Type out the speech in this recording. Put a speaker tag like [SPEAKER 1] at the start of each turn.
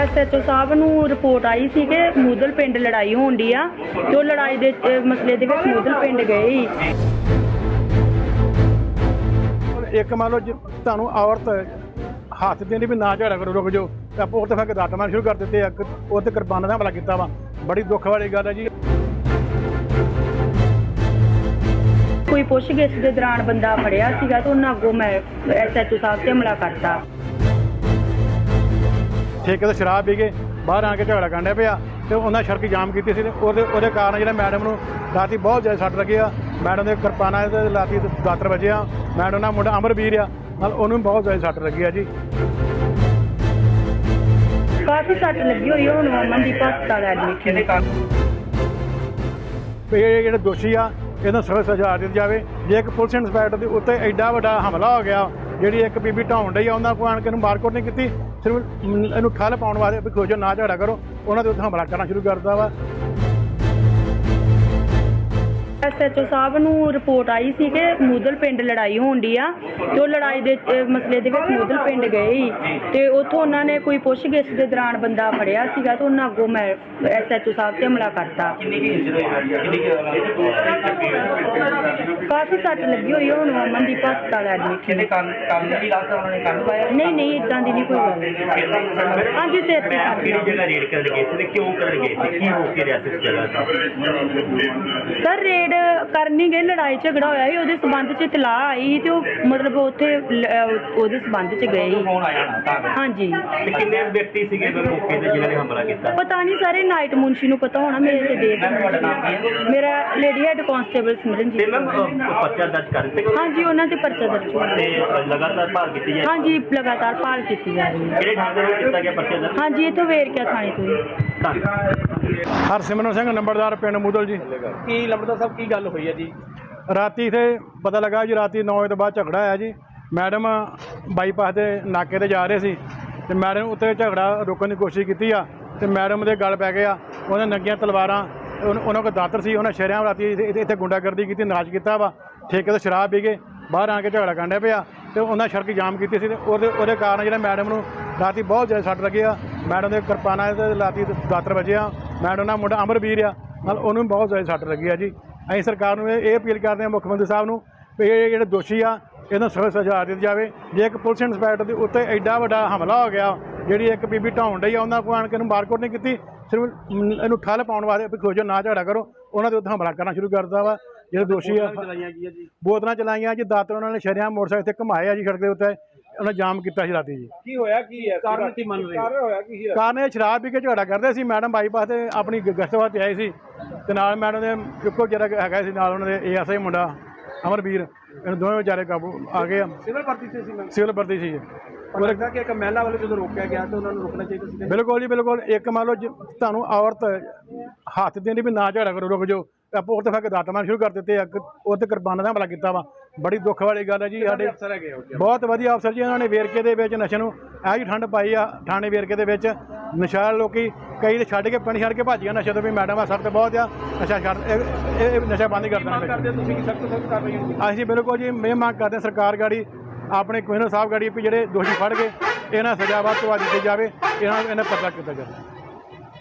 [SPEAKER 1] SHO ਸਾਹਿਬ ਨੂੰ ਰਿਪੋर्ट आई सी कि मूदल पिंड लड़ाई होंदी आ ते ओह लड़ाई दे मसले दे विच मूदल पिंड गए ही।
[SPEAKER 2] एक मान लो ਤੁਹਾਨੂੰ औरत हथ देने भी ना झगड़ा करो रुक जाओ तो आप तो फिर दात मार शुरू कर देते वो तो किरपाना का हमला किया वा बड़ी दुख वाली गल है जी।
[SPEAKER 1] कोई पुछगिछ के दौरान बंदा फड़िया सीगा तो उन्हें अगों मैं SHO साहब से हमला करता।
[SPEAKER 2] ठेके तो शराब पी के बाहर आके झगड़ा करने पिया तो उन्हें सड़क जाम की कारण जो मैडम को राती बहुत ज़्यादा सट लगी आ। मैडम के किरपाना राती दातर बजे आ। मैडम का मुंडा अमरवीर आ उन्होंने बहुत ज़्यादा सट लगी है जी।
[SPEAKER 1] काफ़ी सट लगी हुई है हुण अमनदीप हस्पताल एडमिट
[SPEAKER 2] ये जो दोषी आ इन्होंने सख्त सजा दी जाए। जे एक पुलिस इंस्पैक्टर के उत्ते एडा वड्डा हमला हो गया जी एक बीबी ढाउन डई उन्होंने को आन के मारकुट नहीं की सिर्फ इनू ठल पाने वास्ते भी खोजो ना झगड़ा करो उन्होंने उत्ते हमला करना शुरू करता वा।
[SPEAKER 1] SHO साहब ਨੂੰ ਰਿਪੋर्ट आई सी कि मूदल पिंड लड़ाई होंदी आ ते ओह लड़ाई दे मसले दे विच मूदल पिंड गए ही ते उत्थों उन्हां ने कोई पुछगिछ दे दौरान बंदा फड़िया सीगा तो उन्हां अगों मैं SHO साहब ते हमला करता। काफ़ी सट लगी हुई है हुण अमनदीप हस्पताल एडमिट नहीं नहीं इदां दी नहीं कोई गल। हाँ जी सिर सर रेड करनी गए लड़ाई झगड़ा होया ही उहदे संबंध च इतलाह आई ही ते मतलब उत्थे उहदे संबंध च गए ही। हाँ जी
[SPEAKER 3] कितने व्यक्ति सीगे मौके ते जिन्हां ने हमला कीता
[SPEAKER 1] पता नहीं सारे नाइट मुंशी नूं पता होना मेरे ते देख मेरा लेडी हेड कांस्टेबल सिमरनजीत।
[SPEAKER 3] पर्चा दर्ज कर दित्ते
[SPEAKER 1] हाँ जी उन्हां ते पर्चा दर्ज होया
[SPEAKER 3] ते लगातार भाल कीती जाए।
[SPEAKER 1] हाँ जी लगातार भाल कीती जा रही है।
[SPEAKER 3] किहड़े थाणे ते कीता गया पर्चा दर्ज?
[SPEAKER 1] हाँ जी इत्थों वेरकिया थाणे तो ही।
[SPEAKER 2] हरसिमरन सिंह नंबरदार पिंड मूदल जी।
[SPEAKER 4] की लंबड़ा साहब की गल हुई है जी?
[SPEAKER 2] राती इत्थे पता लगा जी राती 9 बजे तो बाद झगड़ा आया जी। मैडम बाईपास के नाके ते जा रहे सी ते मैडम उत्ते झगड़ा रोकने की कोशिश की आ ते मैडम दे गल पै गया उन्हें नंगियां तलवारां उन्होंने कोल दातर सी उन्हें शरेआम राती इत्थे गुंडागर्दी की नाच किया वा। ठेके तो शराब पी के बाहर आके झगड़ा करने पिया तो उन्हें सड़क जाम की सी कारण जो मैडम को राती बहुत ज़्यादा सट लगी आ। मैडम के किरपाना राती दातर बजे आ। मैडम का मुंडा अमरवीर आ उन्होंने बहुत ज़्यादा सट लगी है जी। असीं सरकार नूं ये अपील करते हैं मुख्यमंत्री साहब नूं भी ये जो दोषी आ इन्होंने सख्त सजा दी जाए। जे एक पुलिस इंस्पैक्टर के उत्ते एडा वड्डा हमला हो गया जी एक बीबी ढाउन डई उन्होंने को आन के मारकुट नहीं की सिर्फ इनू ठल पाने वास्ते भी खोजो ना झगड़ा करो उन्होंने उत्ते हमला करना शुरू करता वा। जो दोषी आ बोतलां चलाइयां जी दातर उन्होंने शरेआम मोटरसाइकिल ते घुमाए जी सड़क के उत्ते उन्हें जाम किया राती जी।
[SPEAKER 4] की होया की है कारण की मन रही होया की है?
[SPEAKER 2] कारण ये शराब पी के झगड़ा करते सी। मैडम बाईपास से अपनी गश्त वास्ते आए सी ते नाल मैडम के इक्को जरा हैगा सी नाल उन्होंने ASI मुंडा अमरवीर इन दोवें बेचारे काबू आ गए।
[SPEAKER 4] सिविल भर्ती से सी मैं
[SPEAKER 2] सिविल भर्ती सी
[SPEAKER 4] पर लगता कि एक महिला वाले जो रोकया गया तो उन्होंने रोकना चाहिए सी।
[SPEAKER 2] बिल्कुल जी बिल्कुल। एक मान लो ਤੁਹਾਨੂੰ औरत हथ देने भी ना झगड़ा करो रुक जाओ आप तो फिर दात मार शुरू कर देते वो तो किरपाना का हमला किया वा बड़ी दुख वाली गल है जी। साडे
[SPEAKER 4] अफसर है
[SPEAKER 2] बहुत वधिया अफसर जी उन्होंने वेरके दे विच नशे नूं ऐ जी ठंड पाई आ। थाने वेरके दे विच नशा लोकी कई तो छड्ड के पिंड छड्ड के भज गए नशे तो भी मैडम आ सख्त बहुत आ नशा छड्ड नशा बंद ही कर देना। असीं बिल्कुल जी मैं मांग करते हैं सरकार गाड़ी अपने कमिश्नर साहब गाड़ी भी ਜਿਹੜੇ ਦੋਸ਼ੀ ਫੜ ਕੇ ਇਹਨਾਂ ਸਜ਼ਾ ਵੱਧ ਤੋਂ ਵੱਧ ਦਿੱਤੀ ਜਾਵੇ ਇਹਨਾਂ पर्चा किया जाए।